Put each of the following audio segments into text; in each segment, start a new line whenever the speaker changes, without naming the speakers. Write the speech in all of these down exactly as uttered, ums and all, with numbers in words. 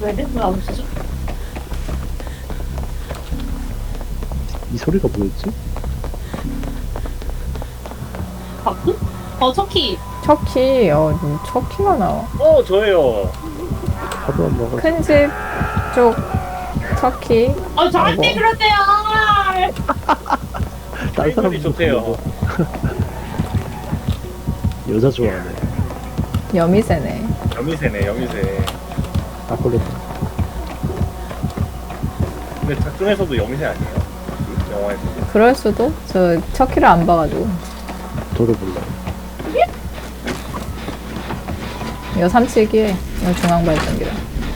왜 돼? 왜안 없어져?
이 소리가 뭐였지?
바꾸? 어, 터키.
척키, 어, 음, 척키가 나와.
어 저예요.
하도 안 먹어.
큰 집 쪽 터키.
어, 저한테
아이고.
그러세요.
딴 사람
사람이 좋대요.
여자 좋아하네.
여미새네.
여미새네 여미새.
딱 걸렸다.
근데 작중에서도 여미새 아니에요? 그 영화에서.
그럴 수도? 저 척키를 안 봐가지고.
저도 몰라.
이거 삼칠기에 이거 중앙발전기다.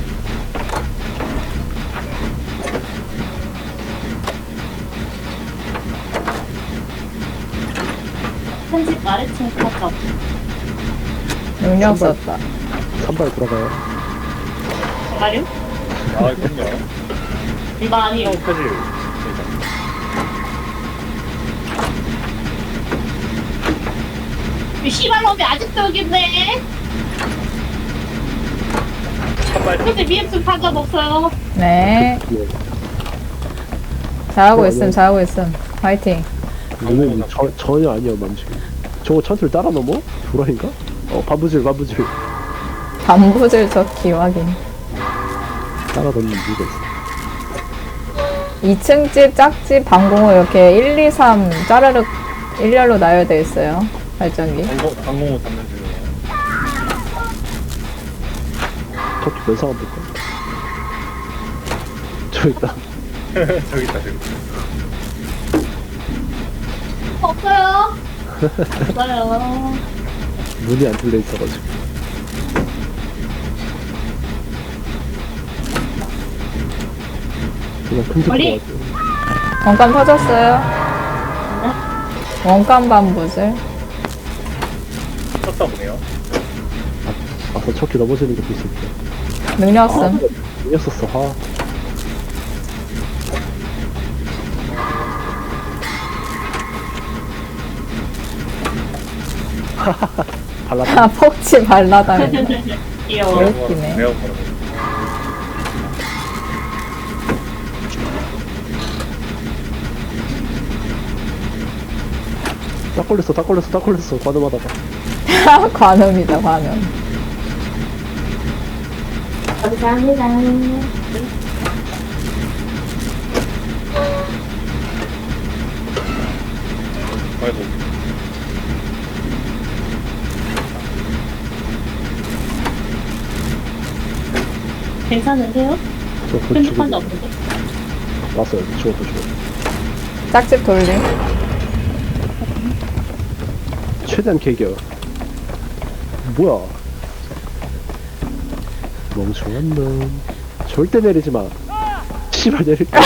편집 아래층 컷업.
능력
선발.
썼다.
산발 돌아가요.
정말요?
아 그럼요.
이거 아니에요.
까지
이 씨발놈이 아직도 여기 있네.
한발
근데 미엠스 판적 없어요.
네.
예.
잘하고
어,
있음,
네.
잘하고 있음. 화이팅.
눈은 저, 전혀 아니야 만지고. 저거 천틀 따라 넘어? 도라인가? 어 반부질 반부질.
반부질 척키 확인.
따라 넘는 이유가 있어.
이 층 집, 짝집, 방공호 이렇게 일, 이, 삼 짜르륵 일렬로 나열되어 있어요. 발전기.
방공 방공호 잡는 중이에요.
터키 면상 한번 볼까? 저 있다.
저기 있다 저기. 있다.
없어요. 없어요.
문이 안 뚫려 있어가지고. 그냥 큰
머리.
집 같아요.
원감 터졌어요. 원감 반부질.
쳤다 보네요.
아서 척키 넘어지는 것도 있을 때.
능력 쓴.
이었었어. 아. 발랐다.
아, 폭치 발라다니.
귀여워.
왜 웃기네.
매우 걸어.
딱 걸렸어, 딱 걸렸어, 딱 걸렸어. 관음하다가.
관음이다, 관음.
감사합니다.
아이고.
괜찮으세요?
저 그거
편집한 적
죽어.
없는데?
왔어요. 죽었어, 죽었어.
짝집 돌림.
최대한 개겨. 뭐야? 멍청한 놈. 절대 내리지 마. 씨발 내릴까?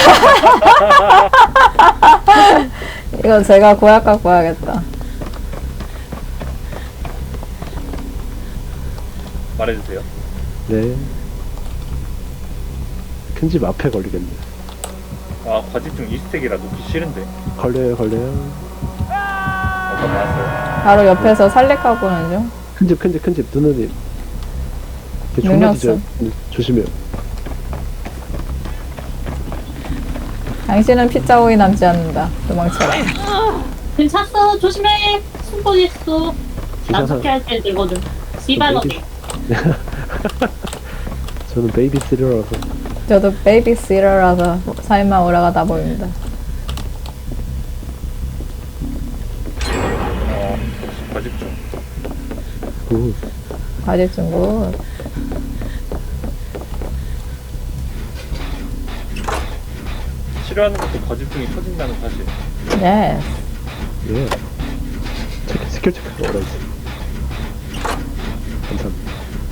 이거 제가 고약 갖고 와야겠다.
말해주세요.
네. 큰 집 앞에 걸리겠네.
아 과집중 이스택이라 놓기 싫은데.
걸려요, 걸려요.
어떤 나왔어요.
바로 옆에서 살렉하고 오는 중.
큰 집, 큰 집, 큰 집. 누누님. 걔 존나
능력
뒤져. 조심해요.
당신은 피자오이 남지 않는다. 도망쳐라.
괜찮어. 조심해. 숨고 있어.
기사상
나쁘게 할 때 들거든. 씨발놈이.
저는 베이비시터라서.
저도 베이비시터라서 삶아 오라가다 보입니다.
어 역시 과집중.
굿.
과집 중국.
치료하는 것도 과집중이 터진다는 사실.
예.
예. 체크, 스킬 체크가 어라이지. 감사합니다.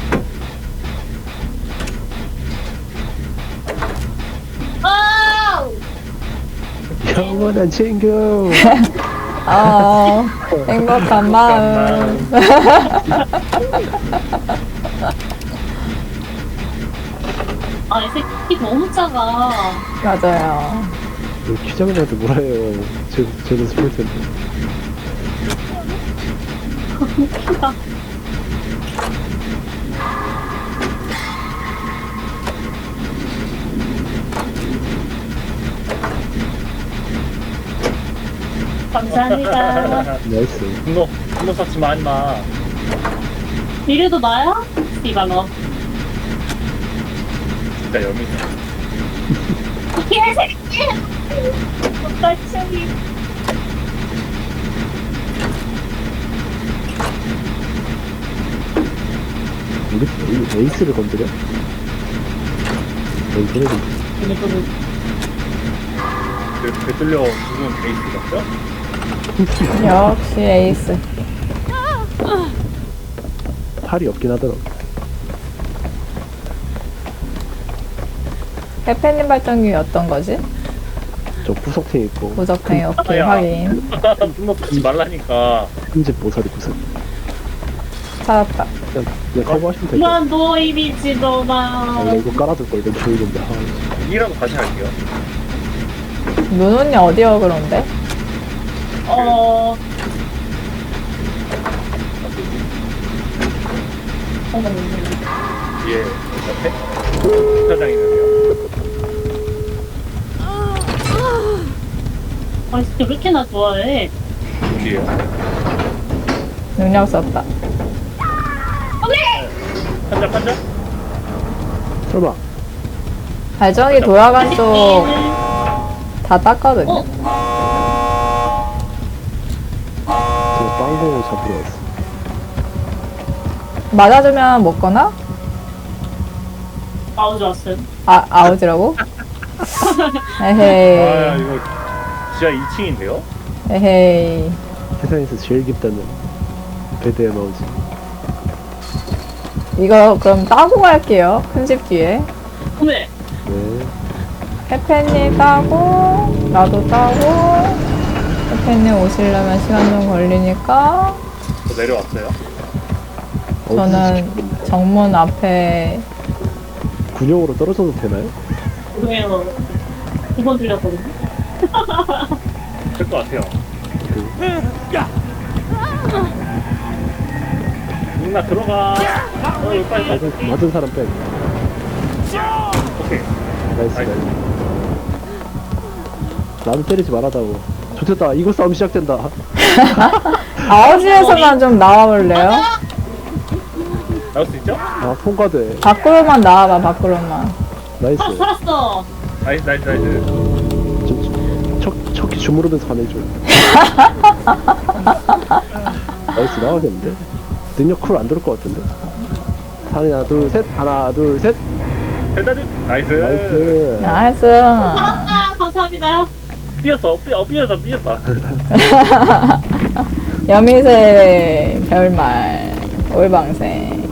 아우!
영원한 친구.
어, 행복한 마음.
아, 이 새끼 너무 작아.
맞아요.
키장님한테 뭐라 해요. 제, 제도 스포일 텐데.
웃기다. 감사합니다.
나이스.
분노 분노 쌓지 마 임마.
이래도 나야? 이방어.
진짜 여미네.
개새끼! 똑같이.
우리 이 에이스를 건드려? 에이스를 건드려.
그 되돌려 죽은 베이스 같죠?
역시 에이스.
팔이 없긴 하더라고.
페페님 발전기 어떤 거지?
저 구석탱 있고
무적탱이 오케이
야.
확인.
분노 쌓지 말라니까.
흰집 모서리 구석.
찾았다.
그냥, 그냥 커버하시면 될것 같아.
그만 너이 미친놈아.
원래 이거 깔아둘 걸 이건 보이는데. 아,
이라도 다시 할게요.
눈온이 어디여 그런데?
어. 어머,
뒤에 옆에 사장 있는데요.
아, 진짜 왜 이렇게나 좋아해?
뒤에요.
능력 썼다.
한자 한자.
설마
발전기 돌아간 쪽 다 땄거든요.
어?
저 빵공을 잡으러 왔어.
맞아주면 먹거나?
아우, 좋았어요.
아, 아웃이라고?
아
에헤이.
이거 지하 이 층인데요?
에헤이.
세상에서 제일 깊다는 배드에 나오지.
이거 그럼 따고 갈게요. 큰 집 뒤에.
왜?
네.
페페님 따고, 나도 따고, 페페님 오시려면 시간 좀 걸리니까,
저 내려왔어요.
저는 정문 앞에,
군용으로 떨어져도 되나요?
왜요? 두 번 들렸거든요.
될 것 같아요. 누나 들어가. 어 이거 빨리 빨리.
맞은, 맞은 사람 빼.
오케이.
나이스,
나이스.
나이스. 나도 때리지 말아다고. 좋겠다. 이거 싸움 시작된다.
아웃에서만 좀 나와볼래요?
나올 수 있죠?
아, 통과돼.
밖으로만 나와봐, 밖으로만.
나이스.
아, 살았어.
나이스 나이스 나이스.
저, 척, 척히 주무르면서 화내줘. 나이스, 나가겠는데? 능력 쿨 안 들을 것 같은데? 하나, 둘, 셋. 하나, 둘, 셋.
헬다드. 나이스.
나이스.
나이스.
살았다. 감사합니다.
삐었어. 삐어 삐었어 삐었다.
여미새 별말 올방생.